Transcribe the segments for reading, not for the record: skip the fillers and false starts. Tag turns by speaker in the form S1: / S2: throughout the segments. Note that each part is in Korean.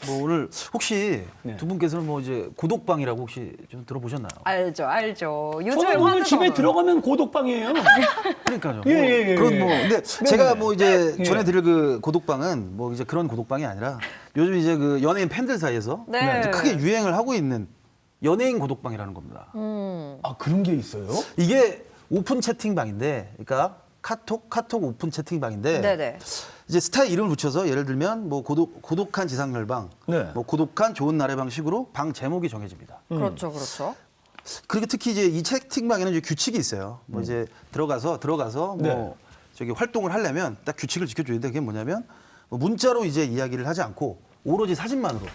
S1: 뭐 오늘 혹시
S2: 네.
S1: 두 분께서는 뭐 이제 고독방이라고 혹시 좀 들어보셨나요?
S3: 알죠. 요즘에
S2: 저는 오늘 집에
S3: 화제잖아요.
S2: 들어가면 고독방이에요.
S1: 그러니까요.
S2: 예, 예, 예,
S1: 그런
S2: 예.
S1: 뭐 근데 제가 뭐 이제
S2: 예.
S1: 전해드릴 그 고독방은 뭐 이제 그런 고독방이 아니라 요즘 이제 그 연예인 팬들 사이에서
S3: 네.
S1: 이제 크게 유행을 하고 있는 연예인 고독방이라는 겁니다.
S2: 아, 그런 게 있어요?
S1: 이게 오픈 채팅방인데, 그러니까 카톡 오픈 채팅방인데
S3: 네네.
S1: 이제 스타 이름을 붙여서 예를 들면 뭐 고독한 지상렬방,
S2: 네.
S1: 뭐 고독한 좋은 날의 방식으로 방 제목이 정해집니다.
S3: 그렇죠.
S1: 그리고 특히 이제 이 채팅방에는 이제 규칙이 있어요. 뭐 이제 들어가서 뭐
S2: 네.
S1: 저기 활동을 하려면 딱 규칙을 지켜줘야 돼. 그게 뭐냐면 뭐 문자로 이제 이야기를 하지 않고 오로지 사진만으로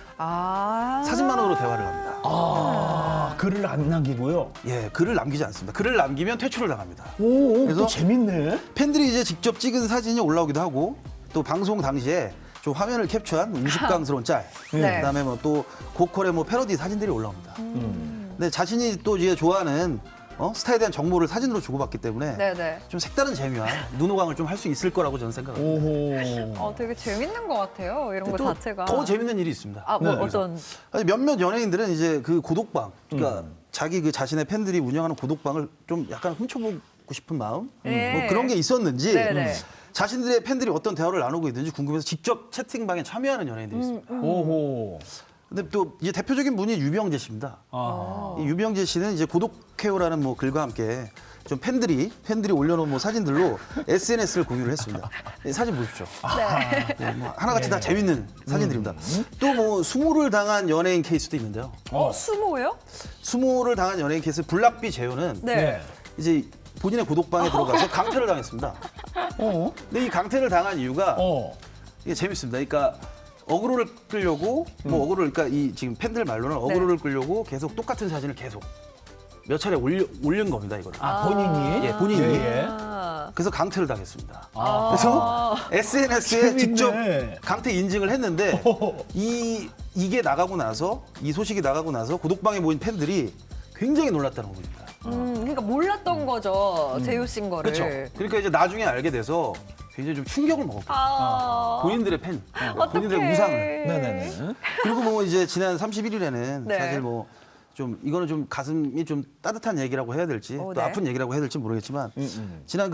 S1: 대화를 합니다.
S2: 아, 글을 안 남기고요.
S1: 예, 글을 남기지 않습니다. 글을 남기면 퇴출을 당합니다.
S2: 오,
S1: 그래서
S2: 또 재밌네.
S1: 팬들이 이제 직접 찍은 사진이 올라오기도 하고 또 방송 당시에 좀 화면을 캡처한 우스꽝스러운 짤,
S3: 네.
S1: 그다음에 뭐 또 고퀄의 뭐 패러디 사진들이 올라옵니다. 근데 자신이 또 이제 좋아하는 스타에 대한 정보를 사진으로 주고받기 때문에
S3: 네네.
S1: 좀 색다른 재미와 눈호강을 좀 할 수 있을 거라고 저는 생각합니다.
S2: 오호.
S3: 되게 재밌는 것 같아요. 이런 거
S1: 또
S3: 자체가.
S1: 더 재밌는 일이 있습니다.
S3: 뭐
S2: 네.
S3: 어떤?
S1: 아니, 몇몇 연예인들은 이제 그 고독방, 그러니까 자기 그 자신의 팬들이 운영하는 고독방을 좀 약간 훔쳐보고 싶은 마음,
S3: 네.
S1: 뭐 그런 게 있었는지
S3: 네네.
S1: 자신들의 팬들이 어떤 대화를 나누고 있는지 궁금해서 직접 채팅방에 참여하는 연예인들이 있습니다.
S2: 오호.
S1: 근데 또 이제 대표적인 분이 유병재 씨입니다.
S2: 아.
S1: 이 유병재 씨는 이제 고독해요라는 뭐 글과 함께 좀 팬들이 올려놓은 뭐 사진들로 SNS를 공유를 했습니다. 이 사진 보십시오. 네, 뭐 하나같이 다 재밌는 사진들입니다. 또 뭐 수모를 당한 연예인 케이스도 있는데요.
S3: 수모요?
S1: 수모를 당한 연예인 케이스 블락비 재호는
S3: 네.
S1: 이제 본인의 고독방에 들어가서 강퇴를 당했습니다.
S2: 어?
S1: 근데 이 강퇴를 당한 이유가
S2: 어.
S1: 이게 재밌습니다. 그러니까 어그로를 끌려고 뭐 어그로를 그러니까 이 지금 팬들 말로는 어그로를 끌려고 계속 똑같은 사진을 계속 몇 차례 올린 겁니다. 이거를.
S2: 아, 본인이?
S1: 예, 본인이.
S2: 예, 예.
S1: 그래서 강퇴를 당했습니다.
S2: 아.
S1: 그래서 SNS에
S2: 재밌네.
S1: 직접 강퇴 인증을 했는데 이게 나가고 나서 이 소식이 나가고 나서 고독방에 모인 팬들이 굉장히 놀랐다는 겁니다.
S3: 그러니까 몰랐던 거죠. 재효 씨인 거를.
S1: 그렇죠. 그러니까 이제 나중에 알게 돼서 굉장히 좀 충격을 먹었고 본인들의 팬, 본인들의 우상을.
S2: 네네네.
S1: 그리고 뭐 이제 지난 31일에는
S3: 네.
S1: 사실 뭐 좀 이거는 좀 가슴이 좀 따뜻한 얘기라고 해야 될지 또
S3: 네.
S1: 아픈 얘기라고 해야 될지 모르겠지만 지난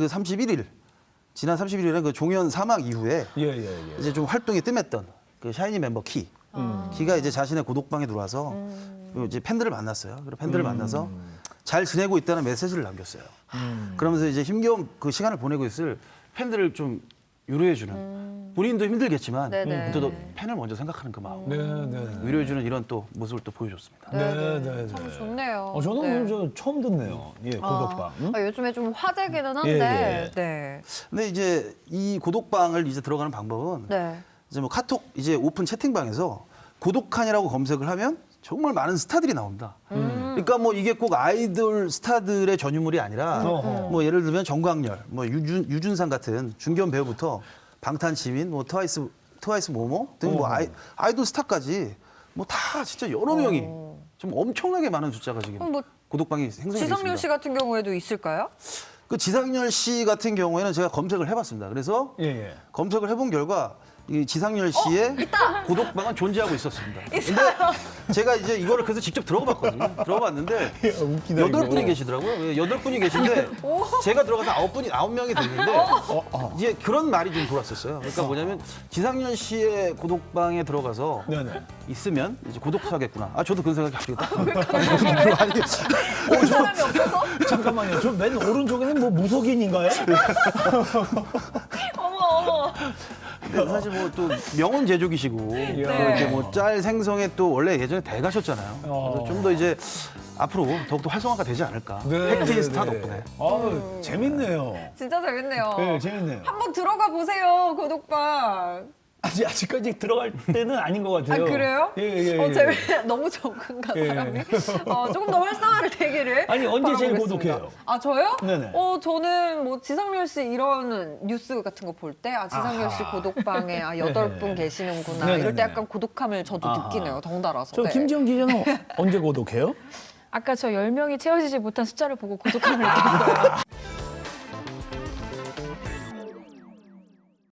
S1: 31일에는 그 종현 사망 이후에
S2: 예, 예, 예.
S1: 이제 좀 활동이 뜸했던 그 샤이니 멤버 키가 이제 자신의 고독방에 들어와서 그 이제 팬들을 만났어요. 그리고 팬들을 만나서 잘 지내고 있다는 메시지를 남겼어요. 그러면서 이제 힘겨운 그 시간을 보내고 있을 팬들을 좀 위로해주는 본인도 힘들겠지만
S3: 네네.
S1: 또 팬을 먼저 생각하는 그 마음
S2: 네, 네.
S1: 위로해주는 이런 또 모습을 또 보여줬습니다.
S2: 네, 네,
S3: 참
S2: 네.
S3: 좋네요.
S2: 저는
S3: 네.
S2: 오늘 저 처음 듣네요. 예, 고독방. 응?
S3: 요즘에 좀 화제기는 한데.
S2: 예, 예.
S3: 네.
S1: 근데 이제 이 고독방을 이제 들어가는 방법은
S3: 네.
S1: 이제 뭐 카톡 이제 오픈 채팅방에서 고독한이라고 검색을 하면 정말 많은 스타들이 나옵니다. 그러니까 뭐 이게 꼭 아이돌 스타들의 전유물이 아니라
S2: 어허.
S1: 뭐 예를 들면 정광열, 뭐 유준상 같은 중견 배우부터 방탄지민, 뭐 트와이스 모모 등 뭐 아이돌 스타까지 뭐 다 진짜 여러 명이 좀 엄청나게 많은 숫자가 지금
S3: 그럼 뭐
S1: 고독방이 생성이 되어 있습니다.
S3: 지상렬 씨 같은 경우에도 있을까요?
S1: 그 지상렬 씨 같은 경우에는 제가 검색을 해봤습니다. 그래서
S2: 예, 예.
S1: 검색을 해본 결과 이 지상렬 씨의 고독방은 존재하고 있었습니다. 근데 제가 이제 이거를 그래서 직접 들어봤거든요. 들어봤는데
S2: 웃기다,
S1: 8분이
S2: 이거.
S1: 계시더라고요. 8분이 계신데 제가 들어가서 9명이 됐는데 이제 그런 말이 좀 돌았었어요. 그러니까 뭐냐면 지상렬 씨의 고독방에 들어가서
S2: 네네.
S1: 있으면 이제 고독사겠구나. 저도 그런 생각이 갑자기 딱
S3: 사람이 없어서?
S2: 잠깐만요. 저 맨 오른쪽에는 뭐 무속인인가요?
S3: 어머.
S1: 근데 사실 뭐 또 명언 제조기시고 또 이렇게 뭐 짤 생성에 또 원래 예전에 대가셨잖아요. 그래서 좀 더 이제 앞으로 더욱더 활성화가 되지 않을까. 팩트인 스타 덕분에.
S2: 재밌네요.
S3: 진짜 재밌네요.
S2: 네, 재밌네요.
S3: 한번 들어가 보세요, 고독방.
S2: 아직까지 들어갈 때는 아닌 것 같아요.
S3: 그래요?
S2: 예, 예, 예.
S3: 너무 적은가,
S2: 예.
S3: 사람이? 조금 더 활성화를 되기를.
S2: 아니, 언제 제일
S3: 바라보겠습니다.
S2: 고독해요?
S3: 저요?
S2: 네네.
S3: 저는 뭐 지상렬 씨 이런 뉴스 같은 거 볼 때, 지상렬 씨 고독방에 8분 계시는구나.
S2: 네네네.
S3: 이럴 때 약간 고독함을 저도 느끼네요, 덩달아서.
S2: 저
S3: 네.
S2: 김지영 기자는 언제 고독해요?
S4: 아까 저 10명이 채워지지 못한 숫자를 보고 고독함을 느꼈어요.